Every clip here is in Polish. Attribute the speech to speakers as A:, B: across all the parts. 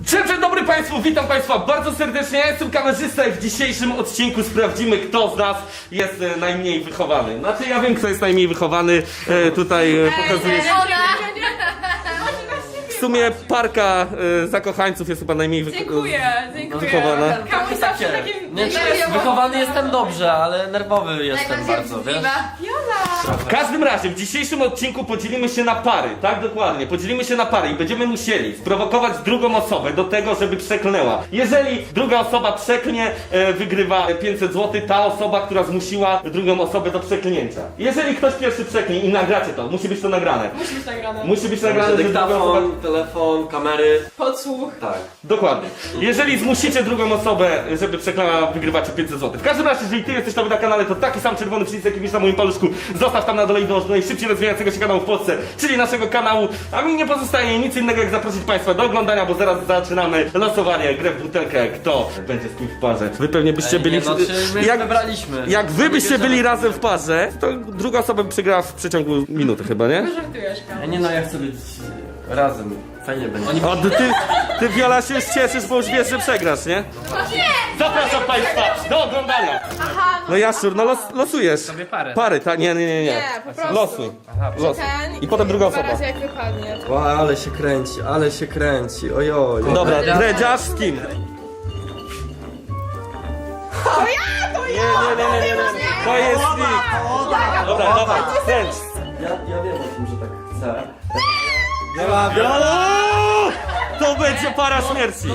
A: Dzień dobry Państwu, witam Państwa bardzo serdecznie, ja jestem kamerzysta i w dzisiejszym odcinku sprawdzimy, kto z nas jest najmniej wychowany. Znaczy ja wiem, kto jest najmniej wychowany, tutaj pokazuję się. W sumie parka zakochańców jest chyba najmniej
B: Dziękuję.
A: wychowana.
B: Kamuś zawsze takim...
C: Nie, wychowany jestem dobrze, ale nerwowy jestem bardzo, wiesz?
A: W każdym razie w dzisiejszym odcinku podzielimy się na pary, tak dokładnie, podzielimy się na pary i będziemy musieli sprowokować drugą osobę do tego, żeby przeklnęła. Jeżeli druga osoba przeklnie, wygrywa 500 zł, ta osoba, która zmusiła drugą osobę do przeklnięcia. Jeżeli ktoś pierwszy przeklnie i nagracie to, musi być to nagrane.
B: Musi być nagrane.
A: Musi być nagrane, że druga osoba...
C: Dyktafon, telefon, kamery.
B: Podsłuch.
C: Tak.
A: Dokładnie. Jeżeli zmusicie drugą osobę, żeby przeklała, wygrywacie 500 zł. W każdym razie, jeżeli ty jesteś nowy na kanale, to taki sam czerwony przycisk, jaki widzisz na moim paluszku, zostaw tam na dole i dąż do najszybciej rozwijającego się kanału w Polsce, czyli naszego kanału. A mi nie pozostaje nic innego, jak zaprosić Państwa do oglądania, bo zaraz zaczynamy losowanie, grę w butelkę, kto będzie z kim w parze. Wy pewnie byście byli...
C: my wybraliśmy.
A: Jak wy byście byli razem w parze, to druga osoba by przegrała w przeciągu minuty chyba, nie?
B: Żartujesz, Kamuś.
C: Nie no, ja chcę być razem. Fajnie będzie.
A: O, ty Wiola się już cieszysz, bo już wiesz, że przegrasz, nie? Zapraszam Państwa do oglądania. No Jaszczur, no losujesz.
D: Sobie parę.
A: Pary, tak? Nie.
B: Nie, po prostu.
A: Losuj. Losuj.
B: Ten
A: I potem druga
B: dwa
A: osoba.
B: razy jak wypadnie.
C: O, ale się kręci, ojoj.
A: Dobra, dredziarz z kim? Nie. To jest nikt. Dobra, dawaj, kręć.
C: Ja wiem o tym, że tak chcę.
A: Wiola! To będzie para śmierci.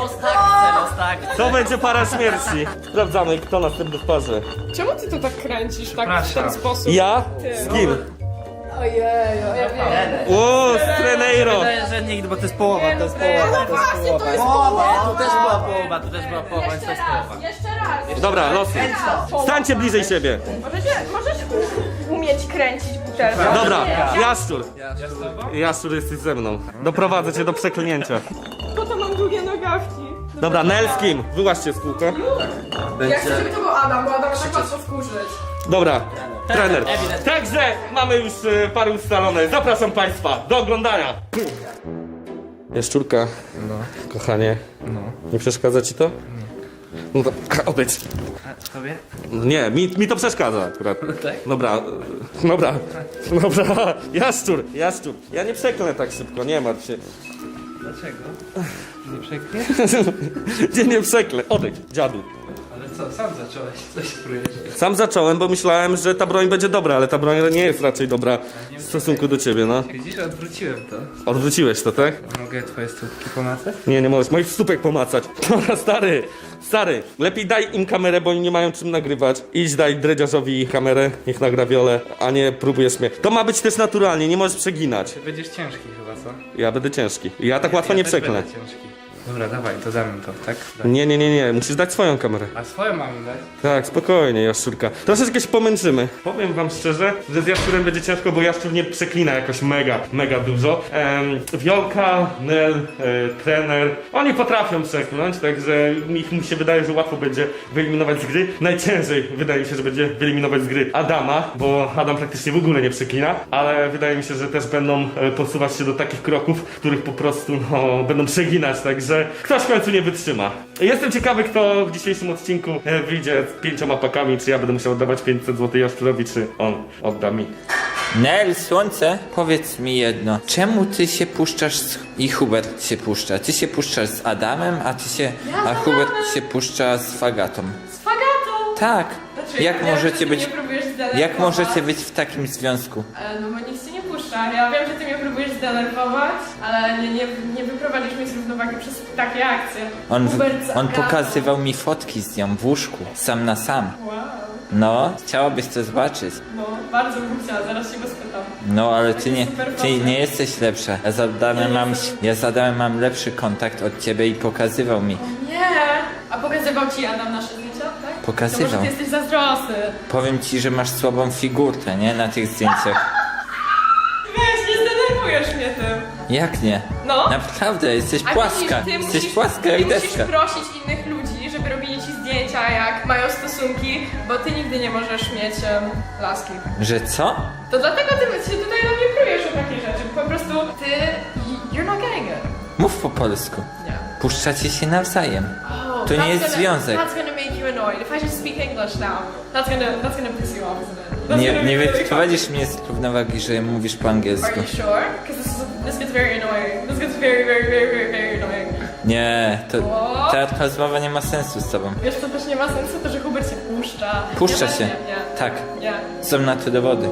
A: To będzie para śmierci. Sprawdzamy, kto następny w parze.
B: Czemu ty to tak kręcisz tak w ten
D: Przepraszam.
B: sposób?
A: Ja? Z kim?
B: Ojeju, ja wiem.
A: O, z Treneiro.
D: Wydaje, że nikt, bo to jest połowa, to jest
B: No właśnie, to jest połowa.
D: Tu też była połowa, tu też była połowa, więc to jest połowa.
B: Jeszcze raz.
A: Dobra, losuj. Stańcie bliżej siebie.
B: Możesz umieć kręcić butelkę?
A: Dobra,
B: Nie.
A: Jaszczur. Jaszczur, jesteś ze mną. Doprowadzę cię do przeklinięcia.
B: Po to mam długie nogawki.
A: Dobra, Nel z kim? Wyłaźcie z kółka.
B: Ja chcę,
C: Będzie...
B: żeby to był Adam, bo Adam tak łatwo wkurzyć.
A: Dobra, trener. Także mamy już pary ustalone. Zapraszam Państwa do oglądania. Jaszczurka, kochanie, nie przeszkadza ci to? No to odejdź.
D: Tobie?
A: Nie, mi to przeszkadza akurat.
D: Tak?
A: Dobra. Jaszczur. Ja nie przeklnę tak szybko, nie martw się.
D: Dlaczego? Nie przekniesz?
A: Nie przeklę. Odejdź, dziadu.
D: Ale co, sam zacząłeś, coś próbujesz.
A: Sam zacząłem, bo myślałem, że ta broń będzie dobra, ale ta broń nie jest raczej dobra w stosunku do ciebie, no.
D: Widzisz, odwróciłem to.
A: Odwróciłeś to, tak?
D: Mogę twoje stópki pomacać?
A: Nie możesz moich stópek pomacać. Dobra, stary, lepiej daj im kamerę, bo oni nie mają czym nagrywać. Idź daj dredziarzowi kamerę, niech nagra Wiolę, a nie próbujesz mnie. To ma być też naturalnie, nie możesz przeginać.
D: Ty będziesz ciężki chyba, co?
A: Ja będę ciężki. Ja tak łatwo nie
D: też
A: przeklnę.
D: będę ciężki. Dobra, dawaj, to damy to, tak?
A: Nie, musisz dać swoją kamerę.
D: A swoją mamy dać?
A: Tak, spokojnie, Jaszczurka. Troszeczkę się pomęczymy. Powiem wam szczerze, że z Jaszczurem będzie ciężko, bo Jaszczur nie przeklina jakoś mega dużo. Wiolka, Nel, trener, oni potrafią przeklnąć, także mi się wydaje, że łatwo będzie wyeliminować z gry. Najciężej wydaje mi się, że będzie wyeliminować z gry Adama, bo Adam praktycznie w ogóle nie przeklina, ale wydaje mi się, że też będą posuwać się do takich kroków, w których po prostu będą przeginać, także ktoś w końcu nie wytrzyma. Jestem ciekawy, kto w dzisiejszym odcinku wyjdzie z 5 pakami, czy ja będę musiał oddawać 500 zł Jaszczurowi, czy on odda mi.
E: Nel, słońce, powiedz mi jedno. Czemu ty się puszczasz i Hubert się puszcza? Ty się puszczasz z Adamem, a Hubert się puszcza z Fagatą.
B: Z Fagatą!
E: Tak.
B: Znaczy,
E: Jak
B: ja wiem,
E: możecie
B: że ty
E: być,
B: mnie próbujesz zdenerwować.
E: jak możecie być w takim związku?
B: No bo nikt się nie puszcza. Ja wiem, że ty mnie próbujesz zdenerwować, ale nie wyprowadzisz mnie z równowagi przez takie akcje. Hubert z
E: On
B: Agatą.
E: pokazywał mi fotki z nią w łóżku, sam na sam.
B: Wow.
E: No, chciałabyś to zobaczyć.
B: No, bardzo bym chciała, zaraz się go spytam.
E: No, ale
B: Takie
E: ty nie,
B: super
E: ty
B: fotki.
E: nie jesteś lepsza. Ja z Adamem mam lepszy kontakt od ciebie i pokazywał mi.
B: Nie! A pokazywał ci Adam nasze zdjęcia, tak?
E: Pokazywał.
B: To może ty jesteś zazdrosny.
E: Powiem ci, że masz słabą figurkę, nie? Na tych zdjęciach.
B: Weź, nie zdenerwujesz mnie tym.
E: Jak nie?
B: No.
E: Naprawdę, jesteś
B: A
E: płaska.
B: widzisz,
E: Jesteś płaska jak
B: ty musisz
E: deska.
B: prosić innych ludzi, żeby robili ci zdjęcia, jak mają stosunki, bo ty nigdy nie możesz mieć laski.
E: Że co?
B: To dlatego ty się tutaj na mnie prujesz o takie rzeczy. Po prostu ty... You're not getting it.
E: Mów po polsku.
B: Nie.
E: Puszczacie się nawzajem.
B: Oh,
E: To nie
B: that's
E: jest
B: gonna-
E: związek.
B: That's gonna make you annoyed. If I just speak English now, that's gonna piss you off, isn't it? That's
E: Nie,
B: gonna
E: nie
B: be really
E: wyprowadzisz mnie z równowagi, że mówisz po
B: fun.
E: angielsku.
B: Are you sure? Because this gets very annoying. This gets very annoying.
E: Nie, to
B: O!
E: ta rozmowa nie ma sensu z tobą.
B: Wiesz co też nie ma sensu? To, że Hubert się puszcza.
E: Puszcza
B: Nie,
E: się.
B: Nie.
E: Tak.
B: Nie.
E: Są na to dowody.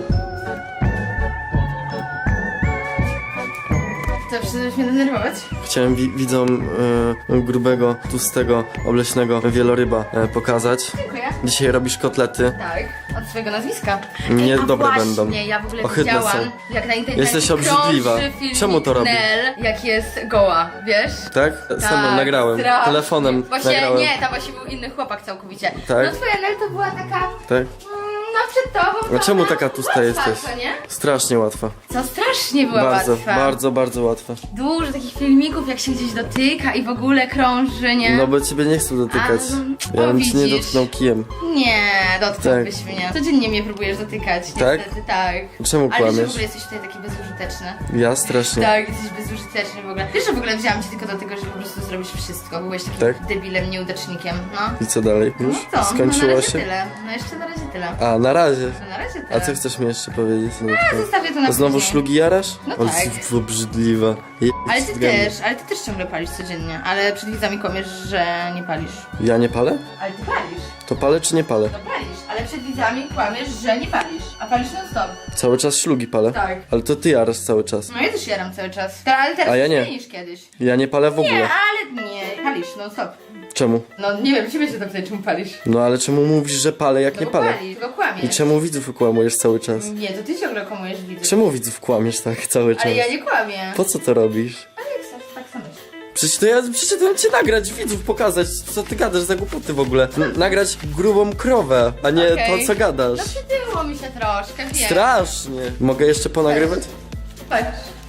F: To przestałeś mnie denerwować?
G: Chciałem widzom grubego, tłustego, obleśnego wieloryba pokazać.
F: Dziękuję.
G: Dzisiaj robisz kotlety.
F: Tak, od swojego nazwiska.
G: Niedobre
F: właśnie,
G: będą.
F: Ja w ogóle
G: Ohydne
F: widziałam,
G: są.
F: jak na internecie
G: Jesteś obrzydliwa.
F: krąży filmik
G: Czemu to robi?
F: Nel, jak jest goła, wiesz?
G: Tak? Sam nagrałem.
F: strasznie.
G: Telefonem
F: Właśnie
G: nagrałem.
F: nie, tam właśnie był inny chłopak całkowicie.
G: Tak?
F: No twoja Nel to była taka,
G: Tak?
F: no przed tobą.
G: A czemu
F: taka
G: taka tłusta
F: łatwa,
G: jesteś?
F: co nie?
G: Strasznie łatwa.
F: Co strasznie była
G: Bardzo,
F: łatwa.
G: bardzo łatwa.
F: Dużo takich filmików, jak się gdzieś dotyka i w ogóle krąży, nie?
G: No bo ciebie nie chcę dotykać.
F: A,
G: Ja bym ci nie
F: widzisz.
G: dotknął kijem.
F: Nie, dotknąłbyś mnie. Codziennie mnie próbujesz dotykać,
G: Tak?
F: niestety, tak.
G: Czemu
F: Ale wiesz, że w
G: kłamiesz?
F: ogóle jesteś tutaj taki bezużyteczny.
G: Ja strasznie.
F: Tak, jesteś bezużyteczny w ogóle. Wiesz, że w ogóle wzięłam cię tylko do tego, żeby po prostu zrobić wszystko. Byłeś takim
G: Tak?
F: debilem, nieudacznikiem, no.
G: I co dalej? Już?
F: No co? No na
G: Skończyło
F: razie
G: się?
F: tyle. No jeszcze na razie tyle.
G: A, na razie.
F: No na razie tyle.
G: A co chcesz mi jeszcze powiedzieć? No,
F: A, zostawię to na
G: Znowu
F: później.
G: szlugi jarasz?
F: No
G: O,
F: tak.
G: jesteś obrzydliwa.
F: Ale ty też ciągle palisz codziennie. Ale przed widzami kłamiesz, że nie palisz.
G: Ja nie palę?
F: Ale ty palisz.
G: To palę czy nie palę?
F: No palisz, ale przed widzami kłamiesz, że nie palisz. A palisz non stop.
G: Cały czas szlugi palę?
F: Tak.
G: Ale to ty jarasz cały czas.
F: No ja też jaram cały czas. Ale teraz
G: A ja nie.
F: mniej niż kiedyś.
G: Ja nie palę w ogóle.
F: Nie, ale nie, palisz non stop.
G: Czemu?
F: No nie wiem, ciebie się to pytaj, czemu palisz.
G: No ale czemu mówisz, że palę, jak
F: No
G: nie
F: bo
G: palę?
F: palisz, tylko kłamiesz.
G: I czemu widzów kłamujesz cały czas?
F: Nie, to ty ciągle kłamujesz widzów.
G: Czemu widzów kłamiesz tak cały czas?
F: Ale ja nie kłamię.
G: Po co to robisz?
F: Ale jak chcesz, tak samo myśl.
G: Przecież to ja przyszedłem cię nagrać, widzów pokazać, co ty gadasz za głupoty w ogóle. Nagrać grubą krowę, a nie
F: Okej.
G: to, co gadasz.
F: No przytyło mi się troszkę, wiem.
G: Strasznie. Mogę jeszcze ponagrywać?
F: Patrz.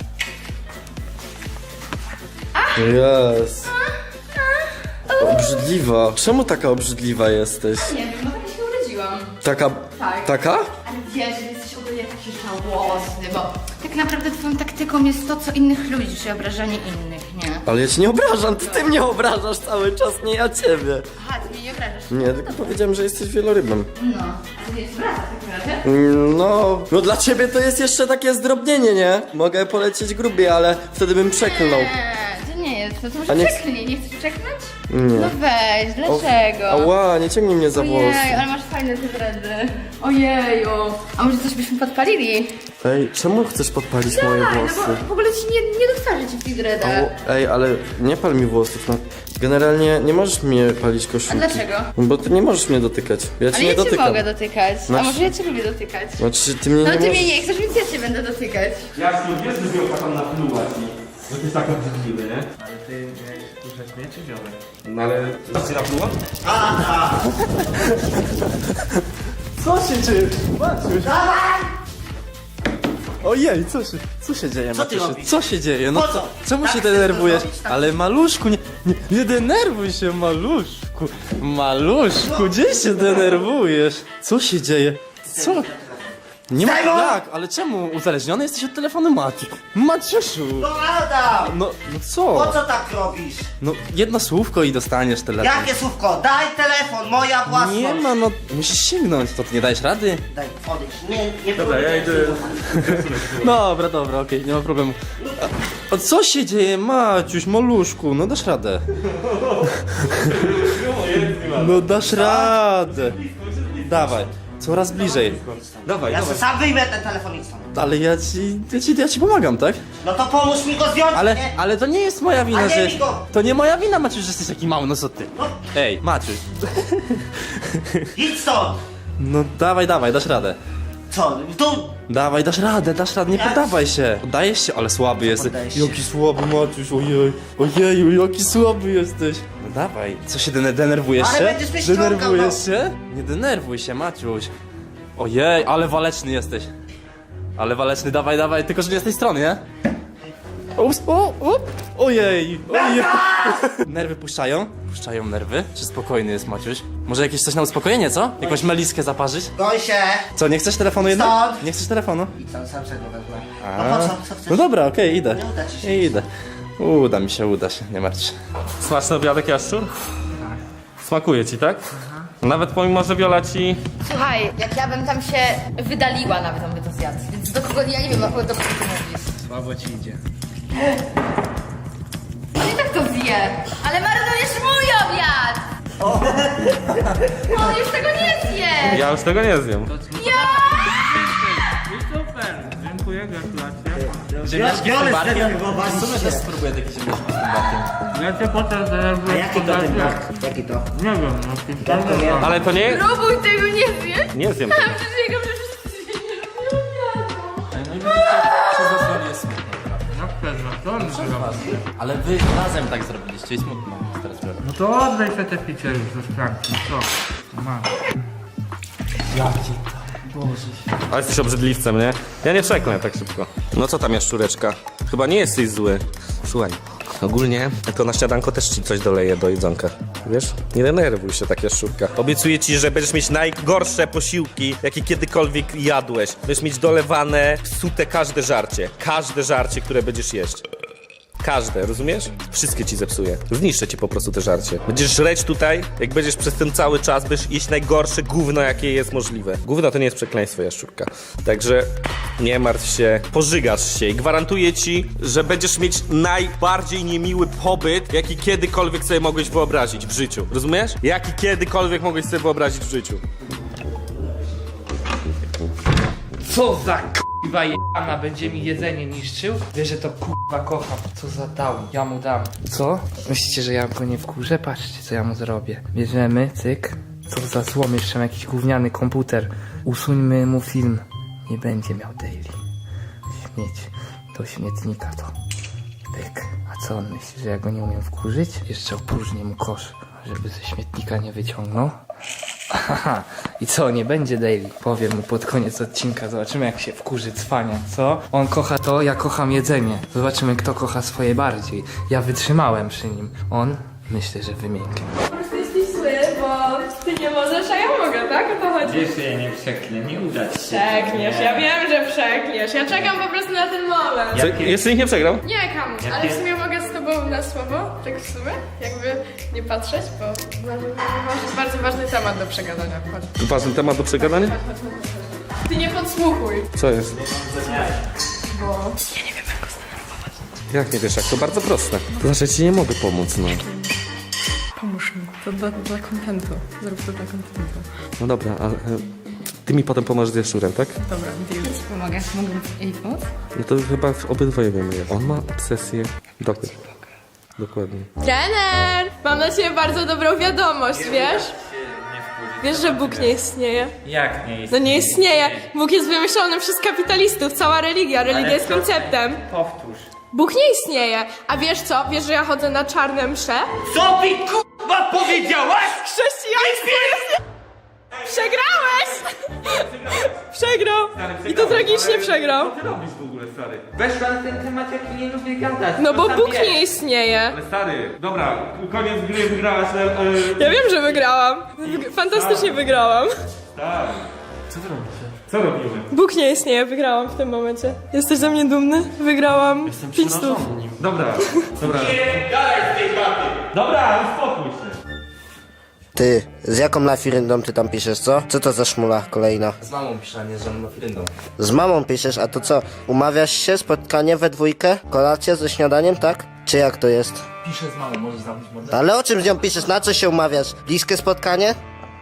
G: Jest. Obrzydliwa. Czemu taka obrzydliwa jesteś?
F: Nie wiem, no tak się urodziłam.
G: Taka...
F: Tak.
G: Taka?
F: Ale wiesz, że jesteś ogólnie taki żałosny, bo tak naprawdę twoją taktyką jest to, co innych ludzi, czyli obrażanie innych, nie?
G: Ale ja cię nie obrażam, ty mnie obrażasz cały czas, nie ja ciebie.
F: Aha, ty mnie nie obrażasz.
G: Nie, tylko powiedziałem, że jesteś wielorybem.
F: No, a ty jest brata w takim razie?
G: No dla ciebie to jest jeszcze takie zdrobnienie, nie? Mogę polecieć grubiej, ale wtedy bym przeklnął.
F: Nie, to nie jest, no to
G: A
F: może
G: nie-
F: przeklnij, nie chcesz przeklnąć?
G: Nie.
F: No weź, dlaczego?
G: Ała, nie ciągnij mnie za włosy.
F: Ojej, ale masz fajne te dredy. Ojeju. A może coś byśmy podpalili?
G: Ej, czemu chcesz podpalić moje
F: Tak, no
G: włosy?
F: bo w ogóle ci nie dostarzy ci w tych dredach.
G: Ej, ale nie pal mi włosów, no. Generalnie nie możesz mnie palić koszulki.
F: A dlaczego?
G: Bo ty nie możesz mnie dotykać. Ja cię
F: Ale
G: nie
F: ja cię
G: dotykam.
F: mogę dotykać. A
G: Znaczy-
F: może ja cię lubię dotykać?
G: Znaczy, ty mnie
F: No
G: nie
F: ty
G: możesz...
F: mnie nie chcesz, więc ja cię będę dotykać.
A: Ja już wiesz, że Wiolka tam napluła ci. Że ty jest tak obrzydliwy, nie?
D: Ale ty miałeś puszczać mnie czy ziomek?
A: No ale... Co ci napluła?
G: Co się dzieje? Maciuś! Ojej, co się dzieje,
H: Co ty
G: Maciusiu?
H: robisz?
G: Co się dzieje? No
H: Po
G: co?
H: co?
G: Czemu
H: Tak
G: się
H: chcesz
G: denerwujesz?
H: to zrobić? Tak.
G: Ale maluszku, nie denerwuj się, maluszku. Maluszku, gdzie się denerwujesz? Co się dzieje? Co? Nie ma
H: Simon!
G: tak, ale czemu uzależniony jesteś od telefonu Maciusiu?
H: No Adam!
G: No
H: Po
G: co?
H: co tak robisz?
G: No jedno słówko i dostaniesz telefon.
H: Jakie słówko? Daj telefon, moja własność!
G: Nie ma, no musisz sięgnąć, to ty nie dajesz rady?
H: Daj, odejdź, nie
A: Dobra, ja idę...
G: Dobra, okej, nie ma problemu. A co się dzieje, Maciuś, maluszku? No dasz radę. No dasz radę. Dawaj, coraz bliżej.
A: Dawaj,
H: Ja
A: dawaj.
H: sobie sam wyjmę ten telefon i stąd.
G: Ale ja ci pomagam, tak?
H: No to pomóż mi go zdjąć, nie?
G: Ale to nie jest moja wina,
H: A nie
G: że...
H: mi go!
G: To nie moja wina, Maciuś, że jesteś taki mały, no co ty?
H: No,
G: Ej, Maciuś.
H: idź stąd!
G: No dawaj, dasz radę.
H: Co? Tu?
G: Dawaj, dasz radę, nie
H: Jak?
G: poddawaj się. Poddajesz się, ale słaby jesteś.
H: poddaję się.
G: Jaki słaby, Maciuś, ojeju, jaki słaby jesteś. No dawaj, co się denerwujesz
H: Ale
G: się?
H: będziesz mnie ściągał,
G: Denerwujesz
H: no.
G: się? Nie denerwuj się, Maciuś. Ojej, ale waleczny jesteś. Ale waleczny, dawaj, tylko że nie z tej strony, nie? Ups, ojej. Nerwy puszczają? Puszczają nerwy? Czy spokojny jest Maciuś? Może jakieś coś na uspokojenie, co? Jakąś meliskę zaparzyć?
H: Goń się!
G: Co, nie chcesz telefonu jednak?
H: Stąd.
G: Nie chcesz telefonu?
H: Idź sam sobie go wezmę.
G: A.
H: No po co? Co chcesz?
G: No dobra, okej, idę.
H: Nie uda ci się.
G: Idę. Uda się, nie martw się.
A: Smaczny obiadek, Jaszczur? Smakuje ci, tak? Nawet pomimo, że Wiola ci...
F: Słuchaj, jak ja bym tam się wydaliła, nawet on by to zjadł. Więc do kogo, ja nie wiem, do kogo ty mówisz.
D: Słabo ci idzie.
F: On i tak to zje, ale marnujesz mój obiad! On już tego nie zje!
A: Ja już tego nie zjem.
D: Super, dziękuję, gratulacje.
G: Ziemniaczki z
H: Wiolę
G: tym barkiem?
H: zdenerwowaliście.
G: W sumie też spróbuję takie ziemniaczki z tym barkiem.
D: Ja cię potem
H: A
D: zdenerwuję.
H: jaki to ten brak? Jaki to?
D: Nie wiem, no pistolet.
A: Ale to nie...
B: Próbuj tego nie zjeść.
A: Nie zjem tego.
B: Przysięgam, że wszyscy nie lubią obiadu.
G: No i widzicie, przez was jest smutno.
D: Jak pewno, to on zrobił.
G: Ale wy razem tak zrobiliście i smutno jest teraz biorę.
D: No to oddaj sobie te picie już ze szklanki, co? Masz.
A: Ale jesteś obrzydliwcem, nie? Ja nie przeklnę tak szybko. No co tam, Jaszczureczka? Chyba nie jesteś zły. Słuchaj, ogólnie to na śniadanko też ci coś doleję do jedzonka. Wiesz? Nie denerwuj się tak, Jaszczurka. Obiecuję ci, że będziesz mieć najgorsze posiłki, jakie kiedykolwiek jadłeś. Będziesz mieć dolewane, psute każde żarcie, które będziesz jeść. Każde, rozumiesz? Wszystkie ci zepsuję. Zniszczę ci po prostu te żarcie. Będziesz żreć tutaj, jak będziesz przez ten cały czas, będziesz jeść najgorsze gówno, jakie jest możliwe. Gówno to nie jest przekleństwo, Jaszczurka. Także nie martw się, pożygasz się i gwarantuję ci, że będziesz mieć najbardziej niemiły pobyt, jaki kiedykolwiek sobie mogłeś wyobrazić w życiu. Rozumiesz? Jaki kiedykolwiek mogłeś sobie wyobrazić w życiu.
I: Co za k***wa jebana będzie mi jedzenie niszczył? Wiesz, że to k***wa kocham. Co za dał, ja mu dam. Co? Myślicie, że ja go nie wkurzę? Patrzcie, co ja mu zrobię. Bierzemy, cyk. Co za złom, jeszcze mam jakiś gówniany komputer. Usuńmy mu film. Nie będzie miał daily. Śmieć. Do śmietnika to. Pyk. A co on myśli, że ja go nie umiem wkurzyć? Jeszcze opróżnię mu kosz, żeby ze śmietnika nie wyciągnął. Aha, i co, nie będzie daily? Powiem mu pod koniec odcinka, zobaczymy jak się wkurzy cwania, co? On kocha to, ja kocham jedzenie. Zobaczymy kto kocha swoje bardziej. Ja wytrzymałem przy nim. On, myślę, że wymięknie.
B: Po prostu jesteś zły, bo ty nie możesz, a ja mogę, tak? O to chodzi.
D: Wiesz, że ja nie przeklę, nie uda ci się.
B: Przekniesz, ja wiem, że przekniesz. Ja czekam po prostu na ten moment.
A: Co, jeszcze nikt nie przegrał?
B: Nie, Kamuś, ale w sumie mogę z tobą na słowo, tak w sumie, jakby nie patrzeć, bo masz bardzo ważny temat do przegadania. Chodź.
A: Ważny temat do przegadania?
B: Ty nie podsłuchuj.
A: Co jest?
B: Bo...
A: Jak nie wiesz, jak to bardzo proste. To znaczy, ci nie mogę pomóc, no.
B: Pomóż mi, to dla kontentu. Zrób to dla kontentu.
A: No dobra, ale ty mi potem pomożesz z Jaszczurem, tak?
B: Dobra, deal.
F: Pomogę, mogę jej pomóc?
A: No to chyba obydwoje wiemy. On ma obsesję. Dokładnie.
B: Trener! Mam dla ciebie bardzo dobrą wiadomość, wiesz? Wiesz, że Bóg nie istnieje?
D: Jak nie jest?
B: No nie istnieje. Bóg jest wymyślony przez kapitalistów, cała religia. Religia jest konceptem.
D: Powtórz.
B: Bóg nie istnieje. A wiesz co? Wiesz, że ja chodzę na czarne msze?
H: Co mi k***a powiedziałaś?
B: Chrześcijaństwo jest... Przegrałeś! Przegrał. I to tragicznie przegrał.
A: Co ty robisz w ogóle, stary?
D: Weszła na ten temat, jaki nie lubię gadać.
B: No bo
D: sam
B: Bóg
D: wiesz.
B: nie istnieje.
A: Ale stary, dobra, koniec gry, wygrałaś,
B: Ja wiem, że wygrałam. Fantastycznie wygrałam.
A: Tak. Co robimy?
B: Bóg nie istnieje, wygrałam w tym momencie. Jesteś ze mnie dumny? Wygrałam 5 stów.
A: Dobra. Nie, dalej z tej baty. Dobra, uspokój się.
H: Ty, z jaką lafiryndą ty tam piszesz, co? Co to za szmula kolejna?
G: Z mamą piszę, a nie z żadną lafiryndą.
H: Z mamą piszesz, a to co? Umawiasz się, spotkanie we dwójkę? Kolację ze śniadaniem, tak? Czy jak to jest?
G: Piszę z mamą, możesz zamknąć mordę?
H: Ale o czym z nią piszesz? Na co się umawiasz? Bliskie spotkanie?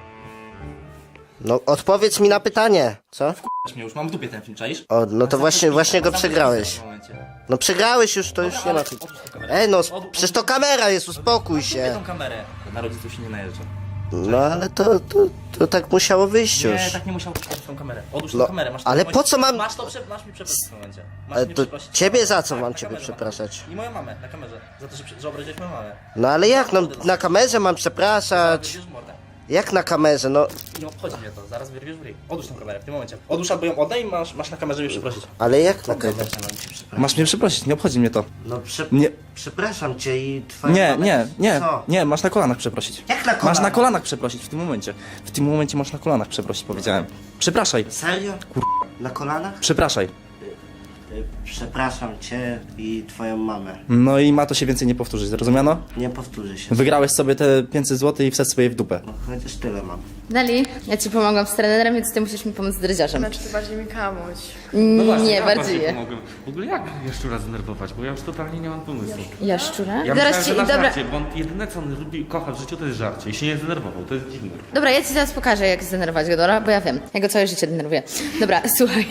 H: No, odpowiedz mi na pytanie, co?
G: Mnie już mam w dupie ten film, czaisz?
H: O, no to właśnie go przegrałeś.
G: W tym momencie.
H: No przegrałeś już, to już nie ma. Ej, no, przecież to kamera jest, uspokój
G: Kupię
H: się.
G: tą kamerę. Na rodziców się nie najeżdża.
H: No, ale to tak musiało wyjść już.
G: Nie, tak nie musiał kupić tą kamerę. Odłóż
H: No,
G: tą kamerę, masz
H: ale
G: to-
H: po co mam-
G: Masz mi przeprosić w tym momencie. Masz
H: Ale
G: mnie
H: to
G: przeprosić.
H: ciebie za co
G: Tak,
H: mam
G: na
H: ciebie
G: kamerze
H: przepraszać?
G: I moją mamę na kamerze. Za to, że obraziłeś moją mamę.
H: No ale jak, no na kamerze mam przepraszać?
G: Wyrwiesz w mordę.
H: Jak na kamerze, no?
G: Nie obchodzi mnie to, zaraz wyrwiesz w ryj. Odłóż tą kamerę w tym momencie. Odłóż albo ją oddaj i masz na kamerze mnie przeprosić.
H: Ale jak na kamerze?
G: Masz mnie przeprosić, nie obchodzi mnie to.
H: No
G: Nie.
H: przepraszam cię i twoja
G: Nie,
H: mama-
G: nie, nie,
H: Co?
G: nie, masz na kolanach przeprosić.
H: Jak na
G: Masz
H: kolanach?
G: na kolanach przeprosić w tym momencie. W tym momencie masz na kolanach przeprosić, powiedziałem. Przepraszaj,
H: Serio? Na kolanach?
G: przepraszaj.
H: Przepraszam cię i twoją mamę.
J: No i ma to się więcej nie powtórzyć, zrozumiano?
H: Nie powtórzy się.
J: Wygrałeś sobie te 500 zł i wsadź sobie w dupę.
H: No, chociaż tyle mam.
F: Neli, ja ci pomogłam z trenerem, więc ty musisz mi pomóc z dredziarzem.
B: Znaczy to bardziej mi kamuś.
F: Nie,
A: ja
F: bardziej je.
A: pomogłem. W ogóle jak Jaszczura zdenerwować, bo ja już totalnie nie mam pomysłu.
F: Jaszczura?
A: Ja
F: Zaraz
A: myślałem,
F: ci,
A: że na
F: dobra,
A: żarcie, bo on jedyne co on lubi, kocha w życiu to jest żarcie i się nie zdenerwował, to jest dziwne.
F: dobra, ja ci zaraz pokażę, jak zdenerwować go, dobra? Bo ja wiem, ja go całe życie denerwuję. Dobra, słuchaj.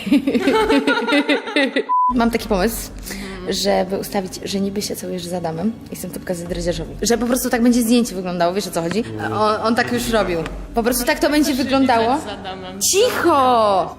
F: Mam taki pomysł, żeby ustawić, że niby się całujesz z Adamem i chcę to pokazać dredziarzowi. Że po prostu tak będzie zdjęcie wyglądało, wiesz o co chodzi? On tak już robił. Po prostu tak to będzie wyglądało. Cicho!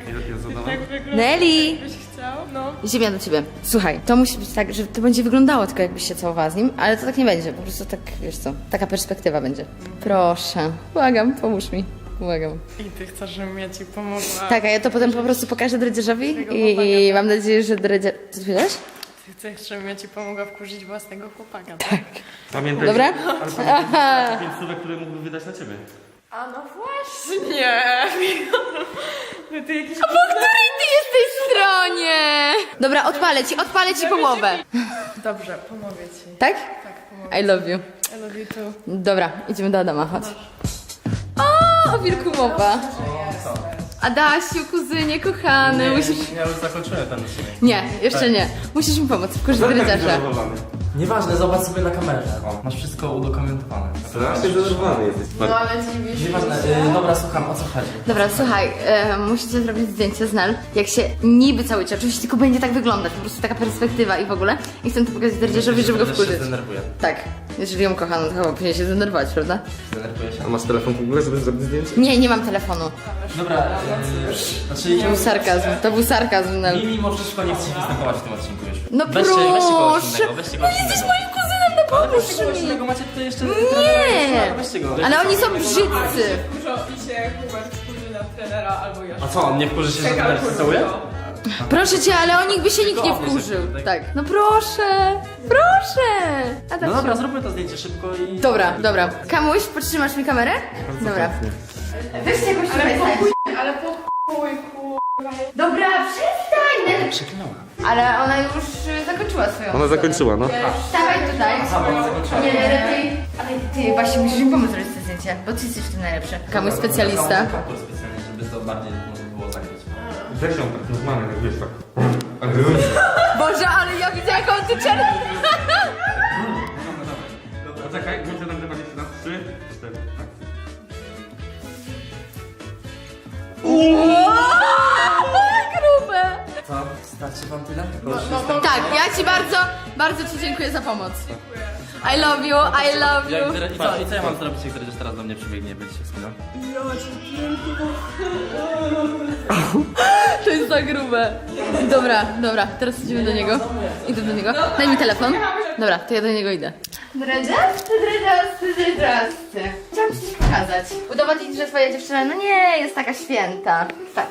F: Nelly! Ziemia do ciebie. Słuchaj, to musi być tak, że to będzie wyglądało tylko jakbyś się całowała z nim, ale to tak nie będzie, po prostu tak, wiesz co, taka perspektywa będzie. Proszę, błagam, pomóż mi. Błagam.
B: I ty chcesz, żebym ja ci pomogła.
F: Tak, a ja to potem po prostu pokażę dredziarzowi i mam nadzieję, że dredziarz... Co ty powiedziałeś?
B: Ty chcesz, żebym ja ci pomogła wkurzyć własnego chłopaka.
A: Pamiętaj,
F: Dobra?
A: ale pamiętaj 5 słówek, które mógłby wydać na ciebie.
B: A no właśnie! No ty jakiś...
F: Po której ty jesteś stronie? Dobra, odpalę ci połowę.
B: Dobrze, pomogę ci.
F: Tak?
B: Tak, pomogę.
F: I love you.
B: I love you too.
F: Dobra, idziemy do Adama, chodź. O wilku mowa. Adasiu, kuzynie, kochany, musisz...
G: Ja już zakończyłem ten odcinek.
F: Nie, jeszcze nie. Musisz mi pomóc, wkurzyć dredziarza.
A: Zdenerwowany.
C: Nieważne, zobacz sobie na kamerze. Masz wszystko udokumentowane.
A: Strasznie zdenerwowany jesteś.
B: No ale dziwisz.
C: Nieważne, dobra, słucham, o co chodzi?
F: Dobra, słuchaj, musicie zrobić zdjęcie z Nel, jak się niby cały czas, oczywiście tylko będzie tak wyglądać, po prostu taka perspektywa i w ogóle. I chcę to pokazać dredziarzowi, żeby go
G: Też się
F: wkurzyć.
G: zdenerwuję.
F: Tak, jeżeli ją kocha, no to chyba powinien się zdenerwować, prawda?
G: Zdenerwuję się.
A: A masz telefon w ogóle, żeby zrobić zdjęcie?
F: Nie mam telefonu.
C: Dobra, znaczy...
F: To był sarkazm, Nel.
G: Mi mimo wszystko nie chcę występować w tym odcinku już.
F: No
G: Weźcie kogoś
F: proszę!
G: innego, weźcie kogoś innego.
F: Moim kuzynem, no pomóż
G: Kogoś
F: mi!
G: innego macie tutaj jeszcze...
F: Nie!
G: Weźcie go.
F: Ale oni są brzydcy!
B: Dużo i się Hubert wkurzy na trenera albo ja.
G: A co, on nie wkurzy się, że trener się całuje?
F: Proszę cię, ale o nich by się nikt nie wkurzył. Tak. No proszę! Proszę! A tak
G: No dobra, zróbmy to zdjęcie szybko i...
F: Dobra. Kamuś, podtrzymasz mi kamerę? Dobra. Weźcie jakoś tutaj
B: Ale po chuj, kurwa.
F: Dobra, przestań!
G: Przeklinała.
F: Ale ona już zakończyła swoją
A: Ona zakończyła, no.
F: Stawaj tutaj.
G: Ona zakończyła.
F: Nie, ale ty właśnie musisz mi pomóc zrobić to zdjęcie, bo ty jesteś w tym najlepszy. Kamuś specjalista.
G: Kaptur specjalnie, żeby to bardziej można było zakryć.
A: Weź ją tak normalnie, jak wiesz tak.
F: Boże, ale ja widzę jaką ty czerwę.
A: Poczekaj, muszę nagrywać jeszcze raz. 3, 4, tak.
F: Grube.
C: Co? Starczy wam tyle?
F: Tak, ja ci bardzo ci dziękuję za pomoc. I love you.
G: I co ja mam zrobić, jak ktoś teraz do mnie przybiegnie, będzie się wspinał?
F: To jest za grube. Dobra, teraz idziemy do niego. Idę do niego. Daj mi telefon. Dobra, to ja do niego idę. Dredziasty. Chciałam ci coś pokazać. Udowodnić, że twoja dziewczyna, no nie, jest taka święta. Patrz,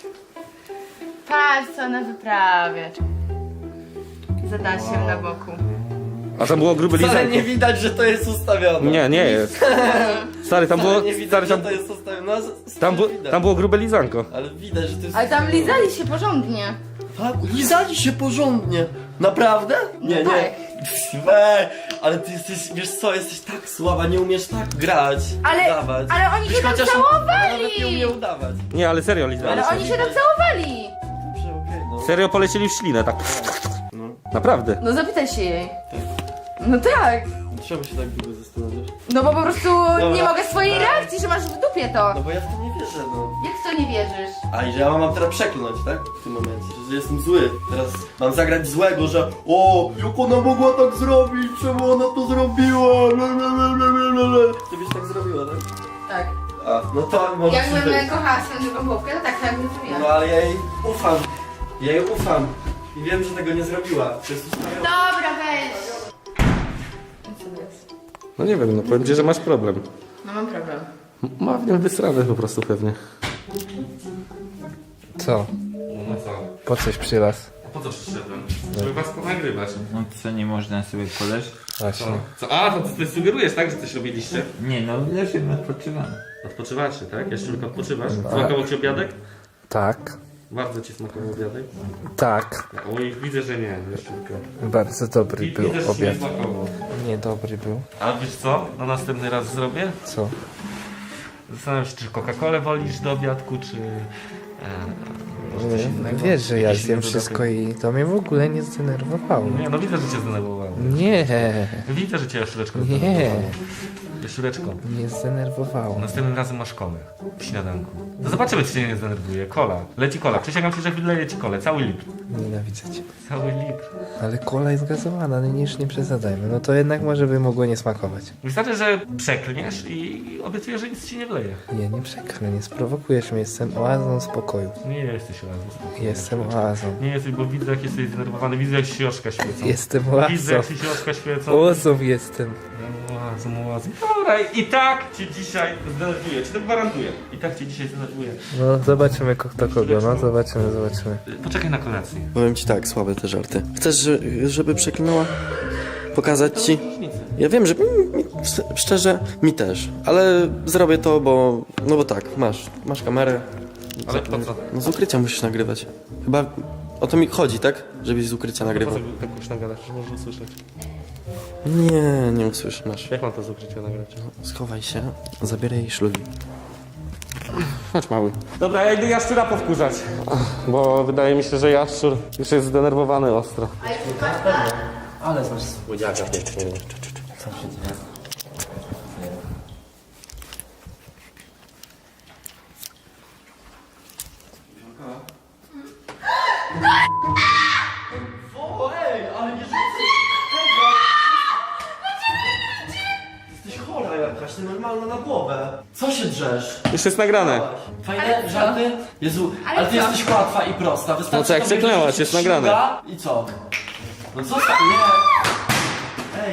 F: co ona wyprawia. Z Adasiem na boku.
A: A tam było grube
C: Wcale
A: lizanko.
C: nie widać, że to jest ustawione.
A: Nie jest. Stary, tam było...
C: Nie widać,
A: Stary,
C: że
A: tam,
C: to jest ustawione. No,
A: tam było grube lizanko.
C: Ale widać, że to jest...
F: Ale tam lizali się porządnie.
C: Tak, lizali się porządnie. Naprawdę? Nie,
F: tak.
C: nie. Ale ty jesteś, wiesz co, jesteś tak słaba, nie umiesz tak grać. Udawać.
F: Ale oni się tam
C: Chociaż
F: całowali.
C: nawet nie umie udawać.
A: Nie, ale serio lizali.
F: Ale oni się tam całowali.
C: Dobrze, okej, no.
A: Serio polecieli w ślinę, tak. Naprawdę.
F: No zapytaj się jej. No tak.
C: Czemu się tak długo zastanawiasz?
F: No bo po prostu nie mogę swojej reakcji, że masz w dupie to.
C: No bo ja w to nie wierzę, no.
F: Jak w to nie wierzysz?
C: A i że ja mam teraz przeklnąć, tak? W tym momencie, że jestem zły. Teraz mam zagrać złego, że o, jak ona mogła tak zrobić, czemu ona to zrobiła? Ty byś tak zrobiła, tak?
F: Tak.
C: A, no to może
F: Jakbym kochała swoją drugą połówkę, to tak bym zrobiła.
C: No ale ja jej ufam. Ja jej ufam. I wiem, że tego nie zrobiła. To jest ustawione.
F: Dobra, weź.
A: No nie wiem, no powiem ci, że masz problem.
F: No mam problem.
A: Ma w nim wysrane po prostu pewnie.
I: Co?
A: No co?
I: Po coś przylaz?
A: A po co przyszedłem? Żeby was ponagrywać.
E: No co, nie można sobie koleż?
I: Właśnie.
A: Co? A, to ty sugerujesz, tak, że coś robiliście?
E: Nie no, leżymy, odpoczywamy.
A: Odpoczywacie, tak? Jeszcze tylko odpoczywasz? Smakował ci obiadek?
I: Tak.
A: Bardzo ci smakował obiadek?
I: Tak,
A: Oj, widzę, że nie, Jaszczurka.
I: bardzo dobry był
A: Widzę, że ci nie
I: obiad.
A: smakował.
I: Nie, dobry był.
A: A wiesz co? Na następny raz zrobię?
I: Co?
A: Zastanawiam się, czy Coca-Colę wolisz do obiadku, czy... może coś innego?
I: Wiesz, że ja
A: Jakiś
I: zjem
A: inny
I: wszystko
A: dodatek?
I: i to mnie w ogóle nie zdenerwowało.
A: Nie, no widzę, że cię zdenerwowało.
I: Nie,
A: Widzę, że cię Jaszczureczko
I: nie,
A: zdenerwowało. Jaszczureczko,
I: nie zdenerwowało.
A: następnym razem masz kolę w śniadanku. To zobaczymy, czy cię nie zdenerwuje. Kola. Leci kola. Przysięgam ci, że wyleję ci kolę. Cały litr.
I: Nienawidzę cię.
A: Cały litr.
I: Ale kola jest gazowana, no już nie przesadzajmy. No to jednak może by mogło nie smakować.
A: Wystarczy, że przeklniesz i obiecuję, że nic ci nie wleje.
I: Nie przeklę, nie sprowokujesz mnie, jestem oazą spokoju.
A: Nie jesteś oazą.
I: Jestem oazą.
A: Nie jesteś, bo widzę, jak jesteś zdenerwowany. Widzę, jak się oczka świecą.
I: Jestem
A: Widzę,
I: oazą.
A: jak ci się oczka świecą.
I: Oazą jestem.
A: Oazą. Dobra, i tak cię dzisiaj zdenerwuję. Ci to gwarantuję. I tak cię dzisiaj zdenerwuję.
I: No zobaczymy kto kogo, no zobaczymy.
A: Poczekaj na kolację.
C: Powiem ci tak, słabe te żarty. Chcesz, żeby przeklinała? Pokazać ci? Ja wiem, że szczerze, mi też. Ale zrobię to, bo... No bo tak, masz kamerę.
A: Ale po co?
C: No z ukrycia musisz nagrywać. Chyba o to mi chodzi, tak? Żebyś z ukrycia nagrywał.
A: Tak już nagadasz, że można usłyszeć.
C: Nie usłyszysz, masz.
A: Jak mam to z ukrycia nagrać?
C: Schowaj się, zabieraj jej szlugi.
A: Chodź mały. Dobra, ja idę Jaszczura powkurzać. Bo wydaje mi się, że Jaszczur już jest zdenerwowany ostro.
G: Ale znasz słodziaka pięknie.
C: Jesteś chora jakaś, ty normalna na głowę. Co się drzesz?
A: Już jest nagrane.
C: Fajne żarty? Jezu, ale ty jesteś łatwa i prosta. Wystarczy
A: No co, jak
C: tobie
A: przeklęłaś,
C: wyrzucić
A: jest nagrane.
C: szluga I co? No co tak? Nie. Ej.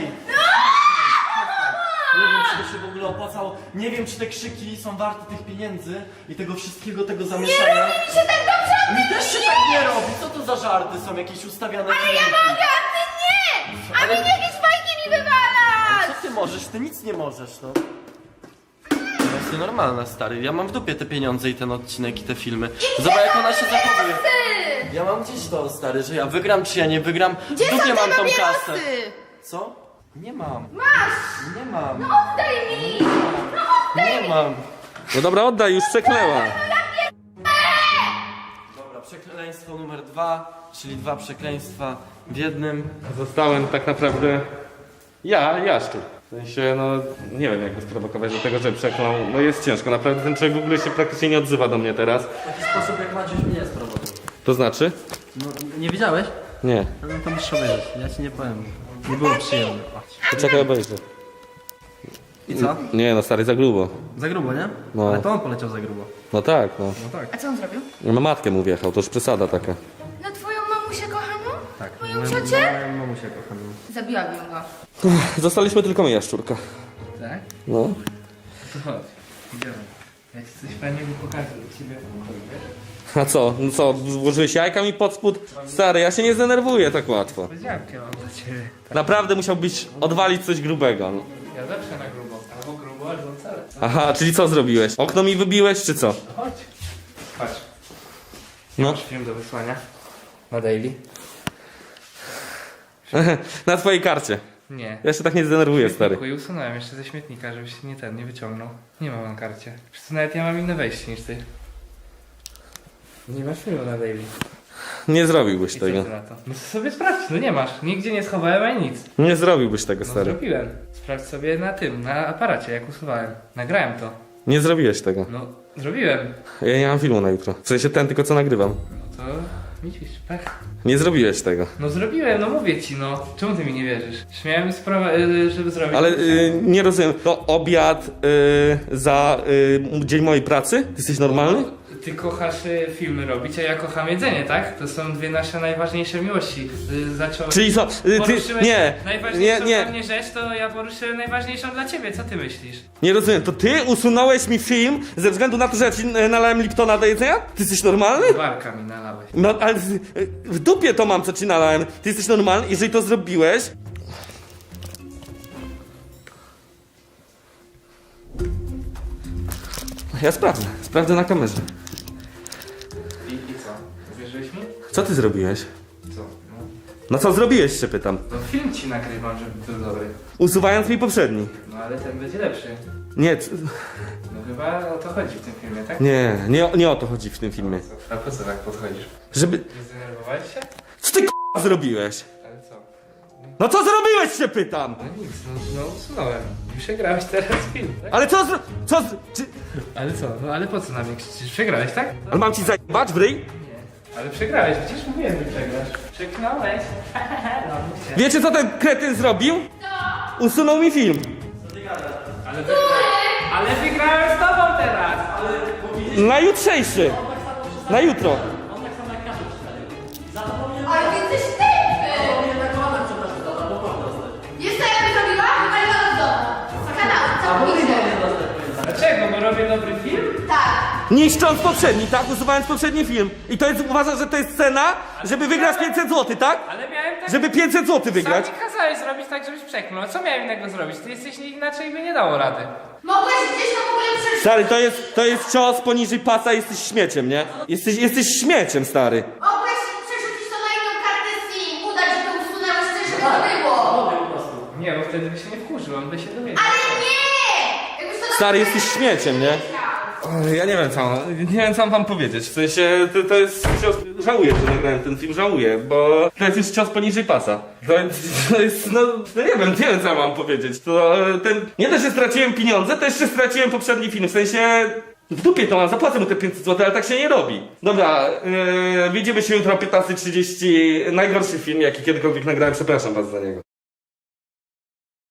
C: Nie wiem, czy to się w ogóle opłacało. Nie wiem, czy te krzyki są warte tych pieniędzy i tego wszystkiego, tego zamieszania. Nie robi mi się tak dobrze! Mi też się tak nie robi! Co to za żarty są? Jakieś ustawiane... Ale ja mogę, a ty nie! A mi jakieś fajki mi wywalasz! Co ty możesz? Ty nic nie możesz, no. No jesteś normalna, stary. Ja mam w dupie te pieniądze i ten odcinek i te filmy. Zobacz, jak ona się zachowuje. Ja mam gdzieś to, stary, że ja wygram, czy ja nie wygram. W dupie mam tą kasę. Co? Nie mam. Masz! Nie mam. No oddaj mi! Nie mam.
A: No dobra, oddaj, już przeklęła.
C: Dobra, przekleństwo numer 2, czyli 2 przekleństwa w jednym.
A: Zostałem tak naprawdę Jaszczur. W sensie, no nie wiem jak go sprowokować do tego, że przeklął. No jest ciężko, naprawdę ten człowiek w ogóle się praktycznie nie odzywa do mnie teraz.
C: W taki sposób, jak Maciuś mnie sprowokował.
A: To znaczy?
G: No, nie widziałeś?
A: Nie.
G: No to musisz obejrzeć, ja ci nie powiem. Nie było przyjemne.
A: Poczekaj, obejrzę.
G: I co?
A: Nie no stary, za grubo.
G: Za grubo, nie?
A: No.
G: Ale to on poleciał za grubo.
A: No tak, no.
F: A co on zrobił?
A: Na matkę mu wjechał, to już przesada taka.
F: Na twoją mamusię kochaną?
G: Tak.
F: Moją ciocię?
G: Moją mamusię kocham.
F: Zabiłabym go.
A: Zostaliśmy tylko my, Jaszczurka.
I: Tak?
A: No.
I: To chodź, idziemy. Ja ci coś fajnego pokażę u ciebie w pokoju, wiesz?
A: A co? No co, włożyłeś jajka mi pod spód? Stary, ja się nie zdenerwuję tak łatwo.
I: Powiedziałkę mam dla ciebie.
A: Naprawdę musiałbyś odwalić coś grubego. No.
I: Ja zawsze na grubo. Albo grubo, albo wcale.
A: Aha, czyli co zrobiłeś? Okno mi wybiłeś, czy co?
I: Chodź. Patrz.
A: No.
I: Masz film do wysłania. Na daily.
A: Na twojej karcie.
I: Nie.
A: Ja się tak nie zdenerwuję, stary.
I: I usunąłem jeszcze ze śmietnika, żebyś nie wyciągnął. Nie mam na karcie. Przecież nawet ja mam inne wejście niż ty. Nie masz filmu na daily.
A: Nie zrobiłbyś
I: I co
A: tego.
I: ty na to? No to sobie sprawdź, no nie masz. Nigdzie nie schowałem ani nic.
A: Nie zrobiłbyś tego,
I: No
A: stary.
I: zrobiłem. Sprawdź sobie na tym, na aparacie, jak usuwałem. Nagrałem to.
A: Nie zrobiłeś tego.
I: No, zrobiłem.
A: Ja nie mam filmu na jutro. W sensie ten tylko co nagrywam.
I: No to widzisz, pech.
A: Nie zrobiłeś tego.
I: No zrobiłem, no mówię ci, no. Czemu ty mi nie wierzysz? Śmiałem sprawę, żeby zrobić.
A: Ale nie rozumiem. To obiad za dzień mojej pracy? Ty jesteś normalny?
I: Ty kochasz filmy robić, a ja kocham jedzenie, tak? To są dwie nasze najważniejsze miłości. Zacząłeś...
A: Czyli co? Ty,
I: Poruszyłeś
A: nie,
I: najważniejszą
A: nie,
I: dla mnie rzecz, to ja poruszyłem najważniejszą dla ciebie. Co ty myślisz?
A: nie rozumiem. To ty usunąłeś mi film ze względu na to, że ja ci nalałem Liptona do jedzenia? Ty jesteś normalny?
I: Barka mi nalałeś.
A: No ale w dupie to mam, co ci nalałem. Ty jesteś normalny? Jeżeli to zrobiłeś... Ja sprawdzę na kamerze.
I: I co?
A: Co ty zrobiłeś?
I: Co?
A: No co zrobiłeś, się pytam.
I: No film ci nagrywam, żeby był dobry.
A: Usuwając mi poprzedni.
I: No ale ten będzie lepszy.
A: Nie,
I: No chyba o to chodzi w tym filmie, tak?
A: nie o to chodzi w tym filmie.
I: A po co tak podchodzisz?
A: Żeby...
I: Nie zdenerwowałeś się?
A: Co ty k***a zrobiłeś?
I: Ale co?
A: No co zrobiłeś, się pytam?
I: No nic, no usunąłem. I przegrałeś teraz film, tak?
A: Ale czy...
I: Ale co? No ale po co na mnie krzyczysz? Przegrałeś, tak?
A: Ale mam ci zajebać w ryj?
I: Ale przegrałeś, przecież mówiłem, że przegrasz. Przeknąłeś. No, mówcie.
A: Wiecie co ten kretyn zrobił? Usunął mi film.
I: Ale wygrałem z tobą teraz!
A: Na jutrzejszy. Na jutro.
F: Ale ty jesteś tępy! Jest to jakby zrobiła? Wywaliła do domu. Z kanału, całkowicie.
I: Dlaczego? Bo robię dobry film?
F: Tak.
A: Niszcząc poprzedni, tak? Usuwając poprzedni film. I to jest, uważasz, że to jest cena, żeby wygrać 500 zł, tak?
I: Ale miałem tak...
A: Żeby 500 zł wygrać.
I: Sam mi kazałeś zrobić tak, żebyś przeklął. A co miałem innego zrobić? Ty jesteś inaczej by nie dało rady.
F: Mogłeś gdzieś to w ogóle przerzucić.
A: Stary, to jest cios poniżej pasa, jesteś śmieciem, nie? Jesteś śmieciem, stary.
F: Mogłeś przerzucić to na inną kartę SIM. Udać, że to usunęłeś, coś żeby to było.
I: Nie, bo wtedy by się nie wkurzył, on by się dowiedział.
F: Ale nie! Jakbyś to
A: Stary, jesteś śmieciem, nie? Ja nie wiem co mam wam powiedzieć. W sensie, to jest cios... Żałuję, że nagrałem ten film, żałuję, bo to jest już cios poniżej pasa. To jest, no nie wiem co mam powiedzieć. Nie dość, że straciłem pieniądze, to jeszcze straciłem poprzedni film. W sensie, w dupie to mam, zapłacę mu te 500 zł, ale tak się nie robi. Dobra, widzimy się jutro o 15:30. Najgorszy film, jaki kiedykolwiek nagrałem, przepraszam was za niego.